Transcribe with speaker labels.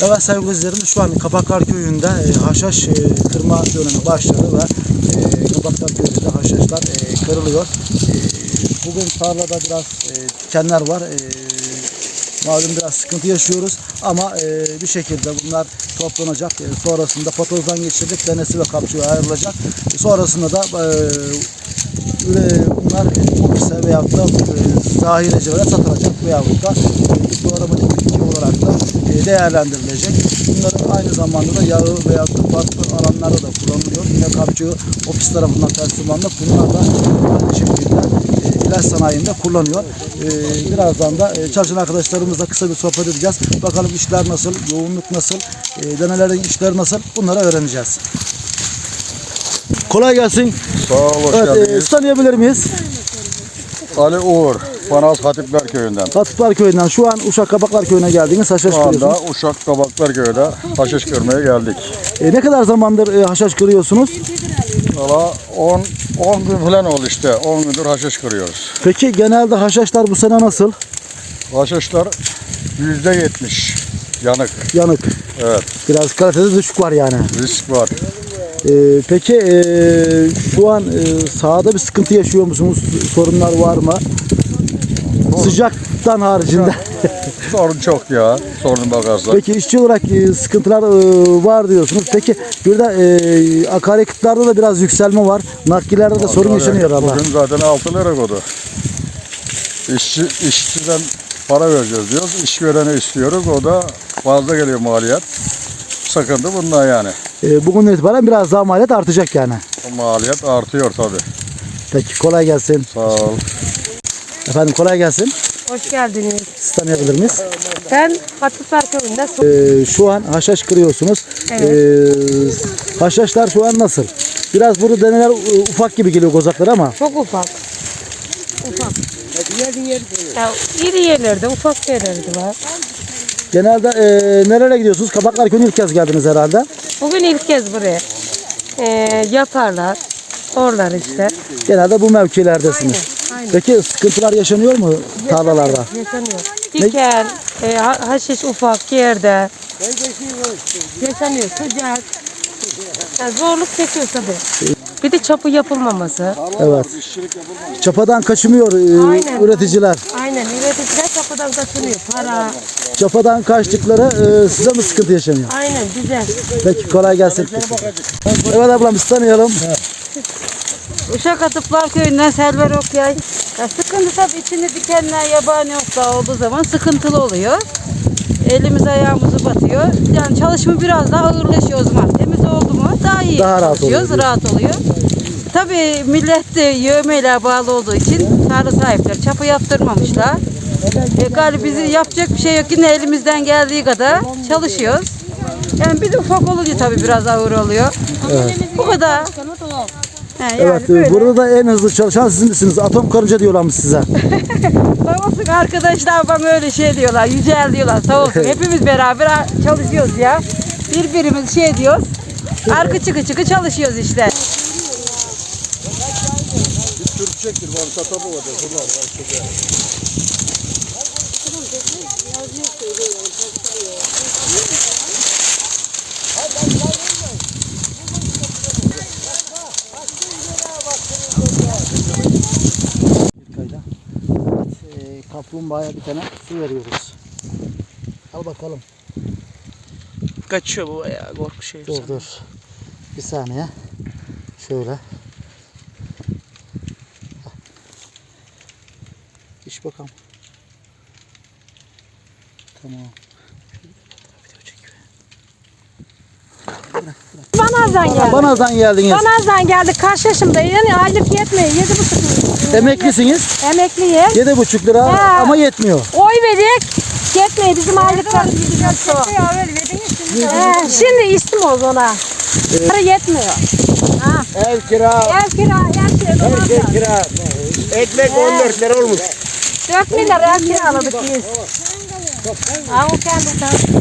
Speaker 1: Evet sevgili izleyicilerimiz, şu an Kabaklar Köyü'nde haşhaş kırma dönemi başladı ve Kabaklar Köyü'nde haşhaşlar kırılıyor. Bugün tarlada biraz dikenler var. Malum biraz sıkıntı yaşıyoruz ama bir şekilde bunlar toplanacak. Sonrasında patozdan geçirilip denesi ve kapçığı ayrılacak. Sonrasında da bunlar ofise veyahut da zahirecilere satılacak veyahut da doğramatik bitki olarak da değerlendirilecek. Bunların aynı zamanda da yağı veyahut da farklı alanlarda da kullanılıyor. Yine kapçığı ofis tarafından teslim alınıp bunlar da aynı şekilde ilaç sanayinde kullanıyor. Birazdan da çalışan arkadaşlarımızla kısa bir sohbet edeceğiz. Bakalım işler nasıl, yoğunluk nasıl, denelerin işleri nasıl, bunları öğreneceğiz. Kolay gelsin.
Speaker 2: Sağ ol, hoş geldiniz.
Speaker 1: Tanıyabilir miyiz?
Speaker 2: Ali Uğur, Banaz Hatipler Köyü'nden.
Speaker 1: Hatipler Köyü'nden. Şu an Uşak Kabaklar Köyü'ne geldiniz. Haşhaş
Speaker 2: Şu anda
Speaker 1: kırıyorsunuz.
Speaker 2: Uşak Kabaklar Köyü'de haşhaş kırmaya geldik.
Speaker 1: Ne kadar zamandır haşhaş kırıyorsunuz?
Speaker 2: Valla 10 gün falan oldu işte. 10 gündür haşhaş kırıyoruz.
Speaker 1: Peki genelde haşhaşlar bu sene nasıl?
Speaker 2: Haşhaşlar %70 yanık.
Speaker 1: Yanık.
Speaker 2: Evet,
Speaker 1: Biraz kalitede düşük var yani.
Speaker 2: risk var.
Speaker 1: Peki şu an sahada bir sıkıntı yaşıyor musunuz? Sorunlar var mı? Sıcaktan haricinde.
Speaker 2: Sorun çok ya, sorun bakarsan.
Speaker 1: Peki işçi olarak sıkıntılar var diyorsunuz. Peki bir de akaryakıtlarda da biraz yükselme var. Naklilerde de sorun yaşanıyor herhalde.
Speaker 2: Bugün zaten 6 lira kodu. İşçiden para vereceğiz diyoruz. İşverene istiyoruz. O da fazla geliyor maliyet. Sıkıntı bundan yani.
Speaker 1: Bugün itibaren biraz daha maliyet artacak yani.
Speaker 2: O maliyet artıyor tabii.
Speaker 1: Peki kolay gelsin.
Speaker 2: Sağ ol.
Speaker 1: Efendim kolay gelsin.
Speaker 3: Hoş geldiniz.
Speaker 1: Siz tanıyabilir miyiz?
Speaker 3: Ben Hatipler Köyü'nde
Speaker 1: Şu an haşhaş kırıyorsunuz. Haşhaşlar şu an nasıl? Biraz burada deneler ufak gibi geliyor kozakları ama.
Speaker 3: çok ufak. Ufak. Ya, iri yerlerde, ufak yerlerde var.
Speaker 1: Genelde nerelere gidiyorsunuz? Kabaklar Köyü'ne ilk kez geldiniz herhalde.
Speaker 3: Bugün ilk kez buraya. Yaparlar. Oralar işte.
Speaker 1: Genelde bu mevkilerdesiniz.
Speaker 3: Aynen.
Speaker 1: Peki sıkıntılar yaşanıyor mu tarlalarda?
Speaker 3: Yaşanıyor. Diken, haşiş ufak yerde. Yaşanıyor. Sıcak. Yani zorluk çekiyor tabii. Bir de çapı yapılmaması.
Speaker 1: Evet. Çapadan kaçmıyor
Speaker 3: Aynen.
Speaker 1: üreticiler.
Speaker 3: Aynen. Üreticiler çapıdan kaçınıyor. Para.
Speaker 1: Çapadan kaçtıkları size mi sıkıntı yaşanıyor?
Speaker 3: Aynen. Güzel.
Speaker 1: Peki kolay gelsin. Evet ablam biz tanıyalım.
Speaker 4: Uşak Atıplar Köyü'nden Selver Okyay. Ya sıkıntı tabii içinde dikenler, yabani otlar olduğu zaman sıkıntılı oluyor. Elimiz ayağımızı batıyor. Yani çalışma biraz daha ağırlaşıyor o zaman. Temiz oldu mu daha iyi
Speaker 1: Daha rahat
Speaker 4: çalışıyoruz,
Speaker 1: oluyor.
Speaker 4: rahat oluyor. Tabii millet de yövmeyle bağlı olduğu için tarla sahipleri çapı yaptırmamışlar. Galiba bizi yapacak bir şey yok. Yine elimizden geldiği kadar çalışıyoruz. Yani bir de ufak olunca tabii biraz ağır oluyor. Evet. Bu kadar. Yani
Speaker 1: Evet
Speaker 4: böyle.
Speaker 1: burada da en hızlı çalışan siz misiniz? Atom karınca diyorlarmış size.
Speaker 4: Sağ olsun arkadaşlar bana öyle şey diyorlar, yücel diyorlar, sağ olsun. Hepimiz beraber çalışıyoruz ya. Birbirimiz şey diyoruz, arka çıkı çıkı çalışıyoruz işte.
Speaker 1: Kaplumbağaya bir tane su veriyoruz. Al bakalım.
Speaker 5: Kaçıyor bu ya, korku şey.
Speaker 1: Dur. Bir saniye. Şöyle. İç bakalım. Tamam.
Speaker 3: Banaz'dan geldik.
Speaker 1: Banaz'dan geldiniz.
Speaker 3: Banaz'dan geldik. Kaç yaşımdayım? Yani aylık yetmiyor. 7,5
Speaker 1: Emeklisiniz.
Speaker 3: Emekliyiz.
Speaker 1: 7,5 lira
Speaker 3: Ha.
Speaker 1: ama yetmiyor.
Speaker 3: Oy verik. Yetmiyor bizim aylıklar. Şimdi istim oldu ona. Para yetmiyor.
Speaker 6: Ev kira,
Speaker 3: Ev kira,
Speaker 6: her şey kira. Ekmek 14 lira olmuş.
Speaker 3: 4 milyar ev kiraladık biz. Ha o kendi